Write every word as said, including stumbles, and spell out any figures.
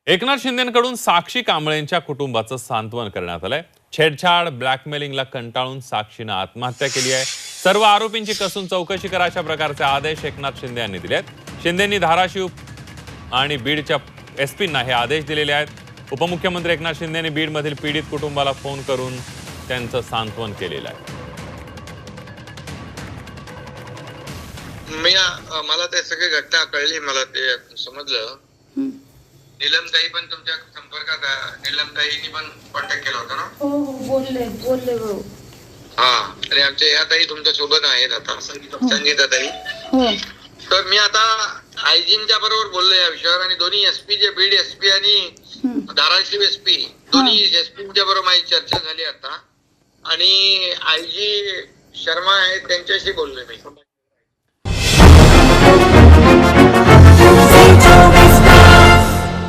एकनाथ शिंदेंकडून साक्षी कांबळेंच्या कुटुंबाचं सांत्वन करण्यात आलंय। छेडछाड ब्लॅकमेलिंगला कंटाळून साक्षीनं आत्महत्या केली आहे। सर्व आरोपींची कसून चौकशी करा अशा प्रकारचे आदेश एकनाथ शिंदे यांनी दिले आहेत। शिंदेंनी धाराशिव आणि बीडच्या एसपींना हे आदेश दिलेले आहेत। उपमुख्यमंत्री एकनाथ शिंदे यांनी बीडमधील पीडित कुटुंबाला फोन करून त्यांचं सांत्वन केलेलं आहे। मी मला ते सगळी घटना कळली, मला ते समजलं। नीलमताई पण तुमच्या संपर्कात आहे? नीलमताईंनी पण कॉन्टॅक्ट केला होता ना? हो हो बोलले बोलले भाऊ। हा, आणि आमच्या या ताई तुमच्या सोबत आहेत आता, संगीता ताई। हो, तर मी आता आयजींच्या बरोबर बोललो या विषयावर, आणि दोन्ही एसपी जे बीड एसपी आणि धाराशिव एसपी दोन्ही एसपीच्या बरोबर माझी चर्चा झाली आता, आणि आयजी शर्मा आहेत त्यांच्याशी बोललोय मी।